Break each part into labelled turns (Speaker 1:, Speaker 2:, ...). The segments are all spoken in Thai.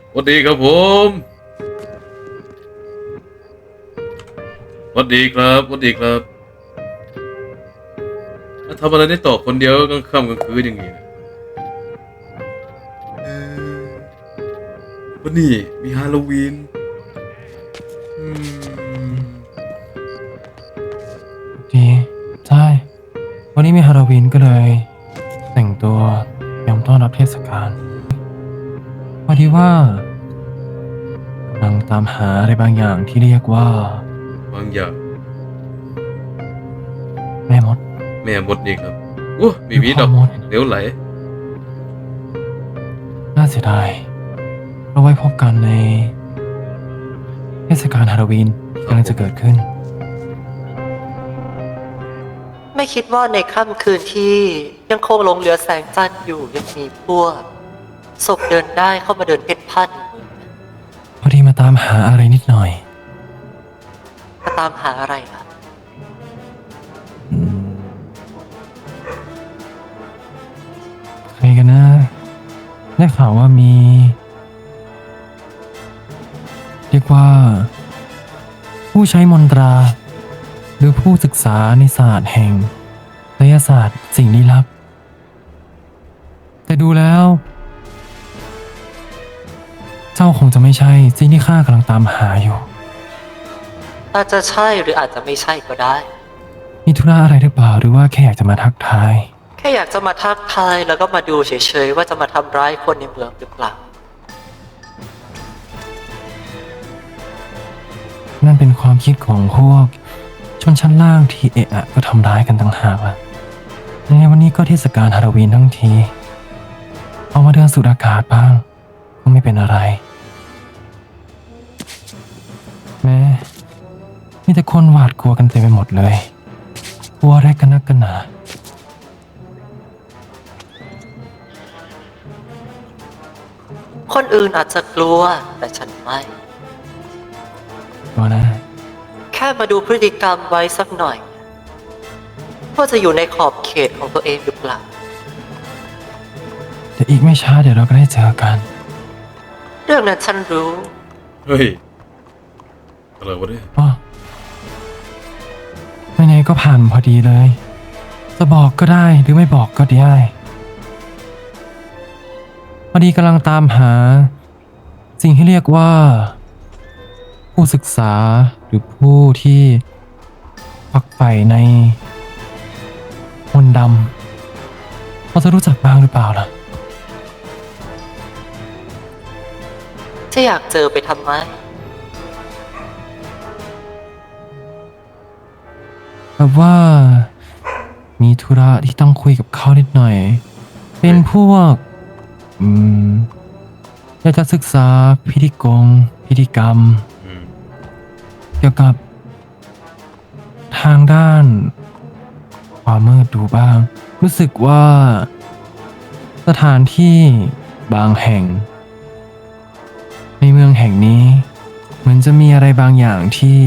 Speaker 1: สวัสดีครับผมสวัสดีครับสวัสดีครับมาทำอะไรได้ต่อคนเดียวกลางค่ำกลางคืนอย่างนี้นะเอ่อวันนี้มีฮาโลวีนอืม
Speaker 2: ดีใช่วันนี้มีฮาโลวีนก็เลยแต่งตัวเตรียมต้อนรับเทศกาลพอดีว่ากำลังตามหาอะไรบางอย่างที่เรียกว่า
Speaker 1: บางอย่าง
Speaker 2: แม่มด
Speaker 1: แม่มดนี่ครับโอ้
Speaker 2: หรือ
Speaker 1: มีมีดอก
Speaker 2: พ่อมด
Speaker 1: เดี๋ยวไหล
Speaker 2: น่าเสียดายเราไว้พบกันในเทศกาลฮาโลวีนที่
Speaker 1: ครับ
Speaker 2: กำลังจะเกิด
Speaker 1: ผม
Speaker 2: ขึ้น
Speaker 3: ไม่คิดว่าในค่ำคืนที่ยังคงหลงเหลือแสงจันทร์อยู่ยังมีพวกศพเดินได้เข้ามาเดินเพ่นพ่านในเมืองนะ
Speaker 2: พอดีมาตามหาอะไรนิดหน่อย
Speaker 3: มาตามหาอะไรล่ะ
Speaker 2: อืมใครกันนะได้ข่าวว่ามีเรียกว่าผู้ใช้มนตรา หรือผู้ศึกษาในศาสตร์แห่งไสยศาสตร์สิ่งลี้ลับ แต่ดูแล้ว เจ้าคงจะไม่ใช่สิ่งที่ข้ากำลังตามหาอยู่
Speaker 3: อาจจะใช่หรืออาจจะไม่ใช่ก็ได้
Speaker 2: มีธุระอะไรหรือเปล่าหรือว่าแค่อยากจะมาทักทาย
Speaker 3: แค่อยากจะมาทักทายแล้วก็มาดูเฉยๆว่าจะมาทำร้ายคนในเมืองหรือเปล่า
Speaker 2: นั่นเป็นความคิดของพวกชนชั้นล่างที่เอะอะก็ทำร้ายกันต่างหากล่ะในวันนี้ก็เทศกาลฮาโลวีนทั้งทีเอามาเดินสูดอากาศบ้างก็ไม่เป็นอะไร แม้มีแต่คนหวาดกลัวกันเต็มไปหมดเลยกลัวอะไรกันนักกันหนา
Speaker 3: คนอื่นอาจจะกลัวแต่ฉันไม่
Speaker 2: กลัวนะ
Speaker 3: แค่มาดูพฤติกรรมไว้สักหน่อยว่าจะอยู่ในขอบเขตของตัวเองหรือเปล่า
Speaker 2: แต่อีกไม่ช้าเดี๋ยวเราก็ได้เจอกัน
Speaker 3: เรื่องนั้นฉันรู้
Speaker 1: เฮ้ยอะไรวะเนี่ย
Speaker 2: อ๋อไหนๆก็ผ่านพอดีเลย จะบอกก็ได้หรือไม่บอกก็ได้พอดีกำลังตามหา สิ่งที่เรียกว่า ผู้ศึกษาหรือผู้ที่ฝักใฝ่ในมนต์ดำพอจะรู้จักบ้างหรือเปล่าล่ะ
Speaker 3: จะอยากเจอไปทำไม
Speaker 2: แบบว่ามีธุระที่ต้องคุยกับเขานิดหน่อย เป็นพวก อืมอยากจะศึกษาพิธีกรรม
Speaker 1: อืม
Speaker 2: เกี่ยวกับทางด้านความมืดดูบ้าง รู้สึกว่าสถานที่บางแห่ง ในเมืองแห่งนี้ เหมือนจะมีอะไรบางอย่างที่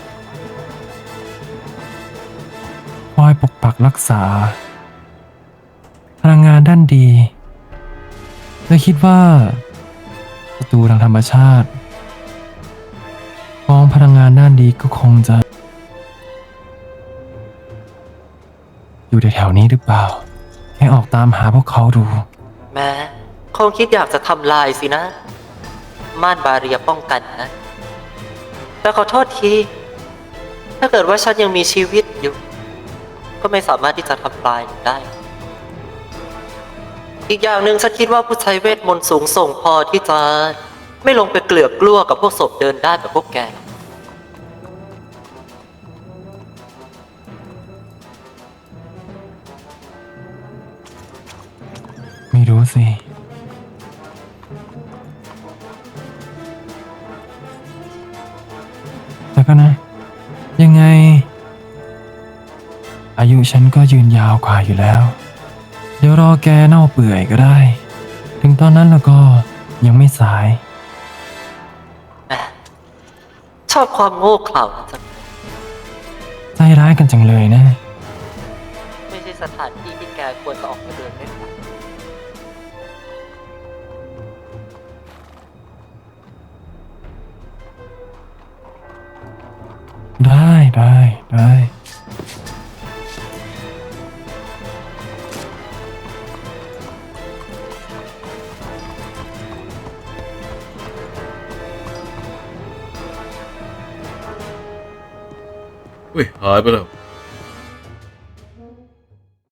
Speaker 2: คอยปกปักรักษา พลังงานด้านดีเลยคิดว่าศัตรูทางธรรมชาติของพลังงานด้านดีก็คงจะ อยู่แถวๆนี้หรือเปล่า แค่ออกตามหาพวกเขาดู
Speaker 3: แม้คงคิดอยากจะทำลายสินะ ม่านบาเรียป้องกันนะ แต่ขอโทษที ถ้าเกิดว่าฉันยังมีชีวิตอยู่ ก็ไม่สามารถที่จะทำลายได้ อีกอย่างหนึ่งฉันคิดว่าผู้ใช้เวทมนต์สูงส่งพอที่จะไม่ลงไปเกลือกกลัวกับพวกศพเดินได้แบบพวกแก
Speaker 2: ไม่รู้สิ แต่ก็นะ ยังไง อายุฉันก็ยืนยาวกว่าอยู่แล้ว เดี๋ยวรอแกเน่าเปื่อยก็ได้ ถึงตอนนั้นแล้วก็ยังไม่สาย
Speaker 3: แหมชอบความโง่เขลาจัง
Speaker 2: ใจร้ายกันจังเลยนะ
Speaker 3: ไม่ใช่สถานที่ที่แกควรจะออกมาเดินเล่นกัน
Speaker 2: ได้ได้ได้
Speaker 1: เฮ้ยหายไปแล้ว